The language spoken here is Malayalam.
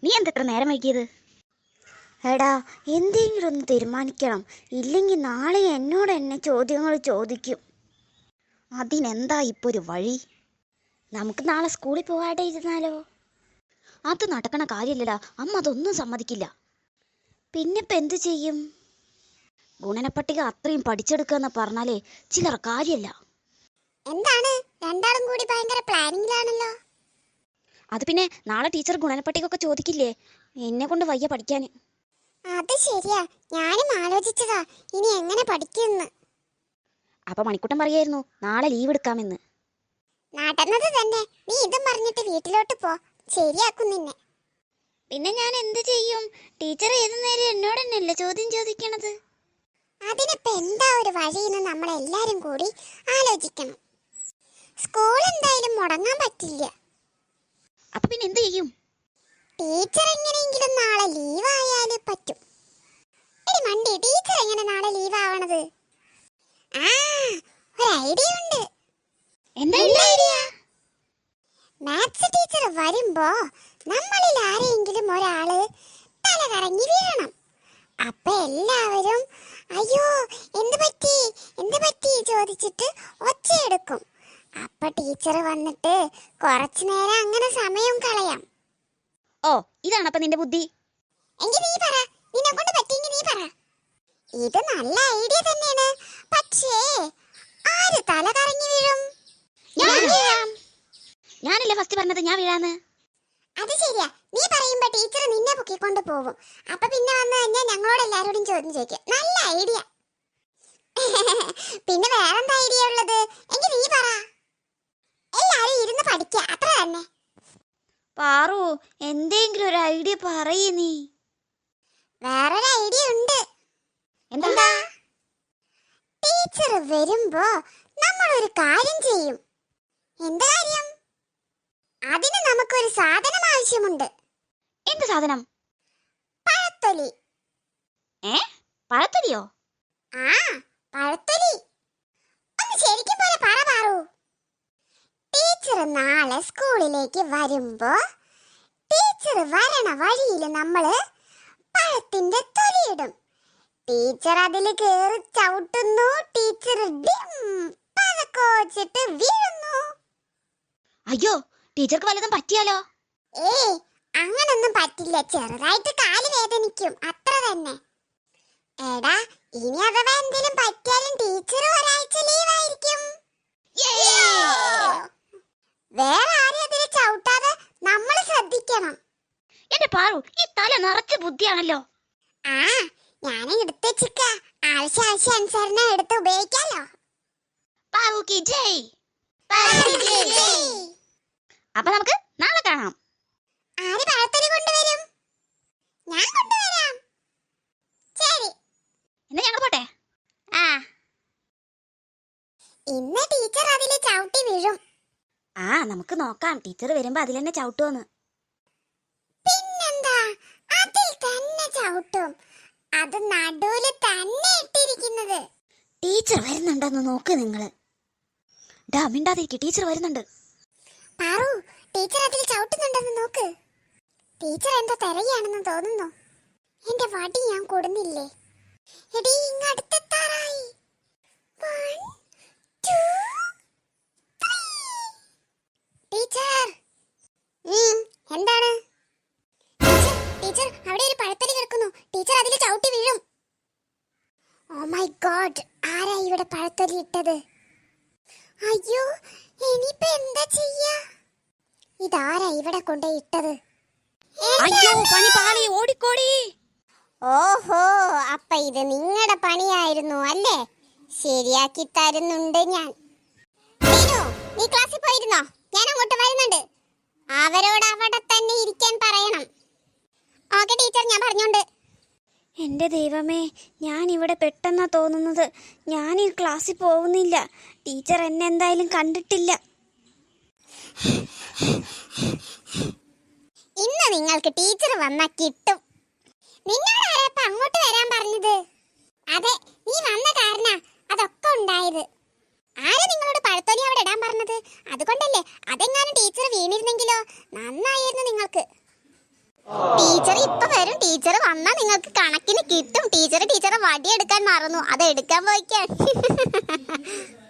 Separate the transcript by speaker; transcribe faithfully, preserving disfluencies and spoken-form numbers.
Speaker 1: നീ എന്തെത്ര നേരം വൈകിയത്? എടാ, എന്തെങ്കിലും ഒന്ന് തീരുമാനിക്കണം, ഇല്ലെങ്കിൽ നാളെ എന്നോട് എന്നെ ചോദ്യങ്ങൾ ചോദിക്കും. അതിനെന്താ ഇപ്പോൾ ഒരു വഴി? നമുക്ക് നാളെ സ്കൂളിൽ പോകാതെ ഇരുന്നാലോ? അത് നടക്കണ കാര്യമില്ലടാ, അമ്മ അതൊന്നും സമ്മതിക്കില്ല. പിന്നെ ഇപ്പം എന്തു ചെയ്യും? ഗുണനപ്പട്ടിക അത്രയും പഠിച്ചെടുക്കാന്ന് പറഞ്ഞാലേ ചിലർ കാര്യമല്ല.
Speaker 2: എന്താണ് രണ്ടാളും കൂടി ഭയങ്കര പ്ലാനിങ്ങിലാണല്ലോ.
Speaker 1: അത് പിന്നെ നാളെ ടീച്ചർ ഗുണനപ്പട്ടിക ഒക്കെ ചോദിക്കില്ലേ, എന്നെ കൊണ്ട് വയ്യ പഠിക്കാൻ.
Speaker 2: അത് ശരിയാ, ഞാനും ആലോചിച്ചതാ ഇനി എങ്ങനെ പഠിക്കുമെന്ന്.
Speaker 1: അപ്പൊ മണിക്കുട്ടൻ പറയായിരുന്നു നാളെ ലീവ് എടുക്കാമെന്ന്.
Speaker 2: നടന്നത് തന്നെ. നീ ഇതും പറഞ്ഞിട്ട് വീട്ടിലോട്ട് പോ, ശരിയാക്കും നിന്നെ.
Speaker 1: പിന്നെ ഞാൻ എന്ത് ചെയ്യും? ടീച്ചർ ഏതു നേരം എന്നോട് തന്നെയല്ലേ ചോദ്യം ചോദിക്കണത്.
Speaker 2: അതിനിപ്പോ എന്താ ഒരു വഴിയെന്ന് നമ്മൾ എല്ലാരും കൂടി ആലോചിക്കണം. സ്കൂൾ എന്തായാലും മുടങ്ങാൻ പറ്റില്ല.
Speaker 1: അപ്പൊ പിന്നെ എന്ത് ചെയ്യും?
Speaker 2: ടീച്ചർ എങ്ങനെയെങ്കിലും നാളെ ലീവ് ആയാലും പറ്റും. എടി മണ്ടി, ടീച്ചർ എങ്ങനെ നാളെ ലീവ് ആവണത്? ആ, ഒരു ഐഡിയ ഉണ്ട്.
Speaker 1: എന്താ ഐഡിയ?
Speaker 2: മാത്സ് ടീച്ചർ വരുമ്പോ നമ്മളിൽ ആരെങ്കിലും ഒരാള് തല കറങ്ങി വീഴണം. അപ്പൊ എല്ലാവരും അയ്യോ എന്ത് പറ്റി എന്ത് പറ്റി ചോദിച്ചിട്ട് ഒച്ചയെടുക്കും. അപ്പൊ ടീച്ചർ വന്നിട്ട് കുറച്ചു നേരം അങ്ങനെ സമയം കളയാം.
Speaker 1: ഓ, ഇതാണ് അപ്പൊ നിന്റെ ബുദ്ധി?
Speaker 2: എങ്കിൽ നീ പറ, നിന്നെ കൊണ്ട് പറ്റിയെങ്കിൽ നീ പറ. ഇത് നല്ല ഐഡിയ തന്നെയാണ്, പക്ഷേ ആര് തല കറങ്ങി വീഴും?
Speaker 1: ഞാൻ വീഴാം. ഞാനല്ലേ ഫസ്റ്റ് പറഞ്ഞത് ഞാൻ വീഴാന്ന്.
Speaker 2: അത് ശരിയാ, നീ പറയുമ്പോ ടീച്ചർ നിന്നെ പൊക്കിക്കൊണ്ട് പോകും. അപ്പൊ പിന്നെ വന്നു കഴിഞ്ഞാൽ ഞങ്ങളോട് എല്ലാരോടും ചോദ്യം ചോദിക്കും. നല്ല ഐഡിയ. പിന്നെ വേറെന്താ ഐഡിയ ഉള്ളത്? എങ്കിൽ നീ പറ. എല്ലാരും ഇരുന്ന് പഠിക്കുക, അത്ര തന്നെ.
Speaker 1: പാറു, എന്തെങ്കിലും ഒരു ഐഡിയ പറയ് നീ.
Speaker 2: വേറൊരു ഐഡിയ ഉണ്ട്.
Speaker 1: എന്താ?
Speaker 2: ടീച്ചർ വരുമ്പോ നമ്മൾ ഒരു കാര്യം ചെയ്യും. എന്ത് കാര്യം? അതിന് നമുക്കൊരു സാധനം ആവശ്യമുണ്ട്.
Speaker 1: എന്ത് സാധനം?
Speaker 2: പഴത്തൊലി.
Speaker 1: ഏ, പഴത്തൊലിയോ?
Speaker 2: ആ, പഴത്തൊലി. ഒന്ന് ശരിക്കും പോലെ പറ പാറു. ടീച്ചർ നാളെ സ്കൂളിലേക്ക് വരുമ്പോ ടീച്ചർ വരണ വഴിയിൽ നമ്മള് പഴത്തിന്റെ തൊലിയിടും. ടീച്ചർ അതിൽ കേറി ചവിട്ടുന്നു. ടീച്ചർ ഡിം പതക്കോച്ചിട്ട് വീഴുന്നു.
Speaker 1: അയ്യോ, ടീച്ചർക്ക് വല്ലതും പറ്റിയാലോ?
Speaker 2: ഏയ്, അങ്ങനൊന്നും പറ്റില്ല. ചെറുതായിട്ട് കാല് വേദനിക്കും, അത്ര തന്നെ. എടാ, ഇനി അഥവാ എന്തെങ്കിലും പറ്റിയാലും ടീച്ചർ ഒരാഴ്ച ലീവായിരിക്കും. വേറെ ആരും അതിൽ ചവിട്ടാതെ നമ്മൾ ശ്രദ്ധിക്കണം.
Speaker 1: എന്റെ പാറു, ഈ തല നിറച്ച് ബുദ്ധിയാണല്ലോ.
Speaker 2: ആ, ഞാൻ എടുത്ത് വെച്ചിക്ക. ആവശ്യ ആവശ്യ അനുസരണം എടുത്ത് ഉപയോഗിക്കാലോ.
Speaker 1: പാറുക്ക് ജയ്. അപ്പൊ നമുക്ക് നാളെ കാണാം.
Speaker 2: ആര് പഴത്തൊലി കൊണ്ടുവരും? ഞാൻ കൊണ്ടുവരാം. ശരി,
Speaker 1: എന്നാ ഞങ്ങൾ പോട്ടെ. ആ,
Speaker 2: ഇന്ന് ടീച്ചർ അതില് ചവിട്ടി വീഴും.
Speaker 1: ആ നമുക്ക് നോക്കാം, ടീച്ചർ വരുമ്പോ അതിൽ തന്നെ ചവിട്ടുമെന്ന്.
Speaker 2: പിന്നെന്താ, അതിൽ തന്നെ ചവിട്ടും. അത് നടുവില് തന്നെ ഇട്ടിരിക്കുന്നത്.
Speaker 1: ടീച്ചർ വരുന്നുണ്ടെന്ന് നോക്ക് നിങ്ങള്. ഡാ, മിണ്ടാതിരിക്കും, ടീച്ചർ വരുന്നുണ്ട്.
Speaker 2: പാറു, ടീച്ചർ അതിൽ ചവിട്ടുന്നുണ്ടെന്ന് നോക്ക്. ടീച്ചർ എന്താ തിരയാണെന്ന് തോന്നുന്നു. എന്റെ വടി ഞാൻ കൊടുന്നില്ലേ? എടീ, ഇങ്ങടുത്തെത്താറായി. One, two, three. ടീച്ചർ. എന്താണ്? ടീച്ചർ, അവിടെ ഒരു പഴത്തൊലി കിടക്കുന്നു. ടീച്ചർ അതിൽ ചവിട്ടി വീഴും. ഓ മൈ ഗോഡ്, ആരാ ഇവിടെ പഴത്തൊലി ഇട്ടത്? അയ്യോ, ഇനിയിപ്പോ എന്താ ചെയ്യാ? ഇതാരാ ഇവിടെ കൊണ്ടുപോയി ഇട്ടത്?
Speaker 1: അയ്യോ, പണി പാളി, ഓടിക്കോടി.
Speaker 2: ഓഹോ, അപ്പൊ ഇത് നിങ്ങളുടെ പണിയായിരുന്നു അല്ലേ? ശരിയാക്കി തരുന്നുണ്ട് ഞാൻ. നീ ക്ലാസ്സിൽ പോയിരുന്നോ? ഞാൻ അങ്ങോട്ട് വരുന്നുണ്ട്. അവരോട് അവിടെ തന്നെ ഇരിക്കാൻ പറയണം. ഓക്കെ ടീച്ചർ, ഞാൻ പറഞ്ഞോണ്ട്.
Speaker 1: എൻ്റെ ദൈവമേ, ഞാൻ ഇവിടെ പെട്ടെന്നാ തോന്നുന്നത്. ഞാൻ ഈ ക്ലാസ്സിൽ പോകുന്നില്ല. ടീച്ചർ എന്നെ എന്തായാലും കണ്ടിട്ടില്ല.
Speaker 2: ഇന്ന് നിങ്ങൾക്ക് ടീച്ചർ വന്നാ കിട്ടും. നിന്നോട് ആരാ അങ്ങോട്ട് വരാൻ പറഞ്ഞത്? അതെ, നീ വന്ന കാരണ അതൊക്കെ ഉണ്ടായത്. ആരാ നിങ്ങളോട് പഴത്തൊലി അവിടെ ഇടാൻ പറഞ്ഞത്? അതുകൊണ്ടല്ലേ. അതെങ്ങാനും ടീച്ചർ വീണിരുന്നെങ്കിലോ? നന്നായിരുന്നു നിങ്ങൾക്ക്. ടീച്ചർ ഇപ്പൊ വരും. ടീച്ചർ വന്നാ നിങ്ങൾക്ക് കണക്കിന് കിട്ടും. ടീച്ചർ ടീച്ചറെ വടിയെടുക്കാൻ മറന്നു, അത് എടുക്കാൻ പോയിക്കാൻ.